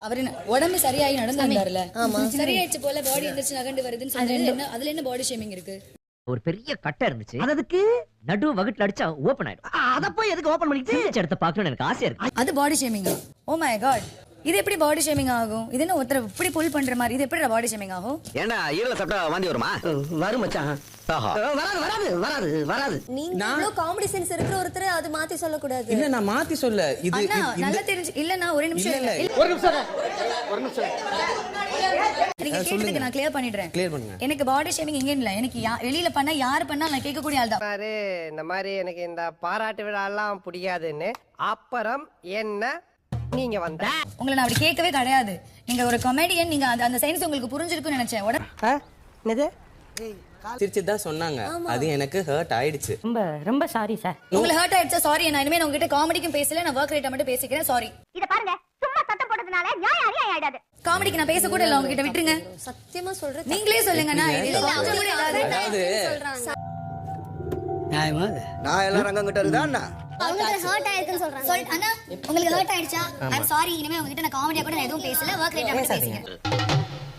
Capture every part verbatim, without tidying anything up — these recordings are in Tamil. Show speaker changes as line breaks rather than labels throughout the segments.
அவரு உடம்பு சரியாயி நடந்து வந்தாருல, சரியாயிடுச்சு போல பாடி எந்திரிச்சு நகண்டு வருதுன்னு சொன்னது, அதுல என்ன பாடி ஷேமிங் இருக்கு?
ஒரு பெரிய கட்டை இருந்துச்சு, அதுக்கு நடு வகுட்டுல அடிச்சா ஓபன் ஆயிடும். அத போய் எதுக்கு ஓபன் பண்ணிட்டு எடுத்து பார்க்கணும்னு எனக்கு ஆசையா இருக்கு.
அது பாடி ஷேமிங்கா? ஓ மை காட், இது எப்படி பாடி ஷேமிங் ஆகும்? இது என்ன ஒருத்தர் இப்படி புல் பண்ற மாதிரி, இது எப்படி பாடி ஷேமிங் ஆகும்?
ஏன்னா ஈரல சாப்பிட்டா வாந்தி வருமா?
வரும் மச்சான்.
வராது வராது வராது வராது.
நீங்க இவ்ளோ காமெடி சென்ஸ் இருக்கிற ஒருத்தர் அது மாத்தி சொல்ல கூடாது.
இல்ல நான் மாத்தி சொல்ல. இது
அண்ணா நல்லா தெரிஞ்சு இல்ல. நான் ஒரு நிமிஷம்
இல்ல
ஒரு நிமிஷம் ஒரு நிமிஷம்
நீங்க கேட்டதுக்கு நான் கிளியர் பண்ணிடுறேன்.
கிளியர் பண்ணுங்க.
எனக்கு பாடி ஷேமிங் எங்க இல்ல, எனக்கு வெளியில பண்ணா யாரு பண்ணா நான் கேட்க கூடிய ஆள் தான்.
பாரு, இந்த மாதிரி எனக்கு இந்த பாராட்டு விழா எல்லாம் பிடிக்காதுன்னு அப்புறம் என்ன நீங்க வந்த
உங்களை நான் அப்படி கேட்கவே கிடையாது. நீங்க ஒரு காமெடியன், நீங்க அந்த அந்த சயின்ஸ் உங்களுக்கு புரிஞ்சிருக்குன்னு நினைச்சேன். உடனே
என்னது
சிரிச்சு தான் சொன்னாங்க, அது எனக்கு ஹர்ட் ஆயிடுச்சு.
ரொம்ப ரொம்ப சாரி சார்.
உங்களுக்கு ஹர்ட் ஆயிடுச்சா? சாரி. நான் இனிமே நான் உங்ககிட்ட காமெடிக்கும் பேசல, நான் வொர்க் ரேட்டா மட்டும் பேசிக்கிறேன். சாரி.
இத பாருங்க, சும்மா சத்தம் போடுறதுனால நியாயம் அநியாயம் ஆயிடாது.
காமெடிக்கு நான் பேச கூட இல்ல, உங்ககிட்ட விட்டுருங்க.
சத்தியமா சொல்றேன்.
நீங்களே சொல்லுங்க. நான்
இல்ல,
இது
அவங்க
கூட
கூட
இல்லாத
அதாவது
சொல்றாங்க.
நியாயமா நான் எல்லாரும் ரங்கம் கிட்ட இருக்குதா?
அவங்களுக்கு ஹர்ட் ஆயிருக்குன்னு சொல்றாங்க.
சொல் அண்ணா, உங்களுக்கு ஹர்ட் ஆயிடுச்சா? I am sorry. இனிமே உங்ககிட்ட நான் காமெடியா கூட நான் எதுவும் பேசல, வொர்க் ரேட்டா மட்டும் பேசிக்கிறேன்.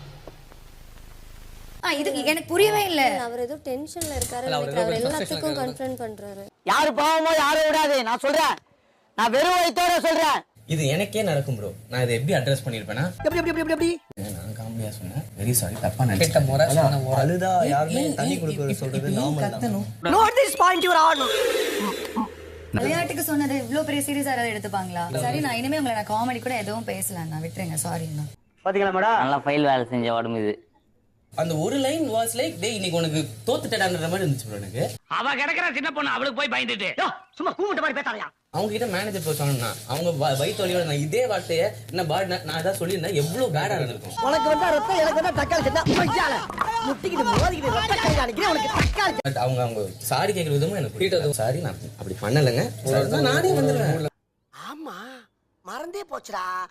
ஆ, இது எனக்கு புரியவே இல்ல.
அவர் ஏதோ டென்ஷன்ல இருக்காரு நினைக்கிறேன். அவர் எல்லாத்துக்கும் கன்ஃபரண்ட் பண்றாரு.
யாரு பாவமோ யாரும் விடாது. நான் சொல்றேன், நான் வெறும் வயித்தோட சொல்றேன்.
இது எனக்கே நடக்கும் ப்ரோ. நான் இதை எப்படி அட்ரஸ் பண்ணிருப்பேனா?
எப்படி எப்படி எப்படி எப்படி
நான் காமெடியா சொன்னேன். வெரி சாரி, தப்பா நினைச்சேன். அழுதா யாருமே தண்ணி குடுக்குறது சொல்றது நார்மல் தான்.
Note this point your on.
விளையாட்டுக்கு சொன்னது இவ்ளோ பெரிய சீரியஸா யாராவது எடுத்துப்பாங்களா? சரி, நான் இனிமே உங்களை நான் காமெடி கூட எதுவும் பேசல. நான் விட்டுருங்க. சாரி அண்ணா.
பாத்தீங்களா மேடம், நல்லா ஃபைல் வேலை செஞ்ச உடம்பு இது.
அந்த ஒரு லைன் வாஸ் லைக் டே இன்னைக்கு உனக்கு தோத்துட்டடான்ற மாதிரி இருந்துச்சு ப்ரோ எனக்கு.
அவ கிடக்குற சின்ன பொண்ணு, அவளுக்கு போய் பயந்துட்டு சும்மா கூப்பிட்ட மாதிரி பேசாதயா.
அவங்க கிட்ட மேனேஜர் போய் சொன்னா அவங்க வயிற்று வலியோட நான் இதே வார்த்தையை என்ன பாடி நான் ஏதாவது சொல்லியிருந்தேன் எவ்வளவு பேடா இருந்திருக்கும்.
உனக்கு வந்தா ரத்தம், எனக்கு வந்தா தக்காளி சட்னா மச்சால முட்டிக்கிட்டு மோதிக்கிட்டு ரத்த கை அடிக்கிறேன் உனக்கு தக்காளி.
பட் அவங்க அவங்க சாரி கேட்குற விதமும் எனக்கு புரியுது. சாரி, நான் அப்படி பண்ணலைங்க, நானே வந்துடுவேன்.
ஆமா மறந்தே போச்சுடா.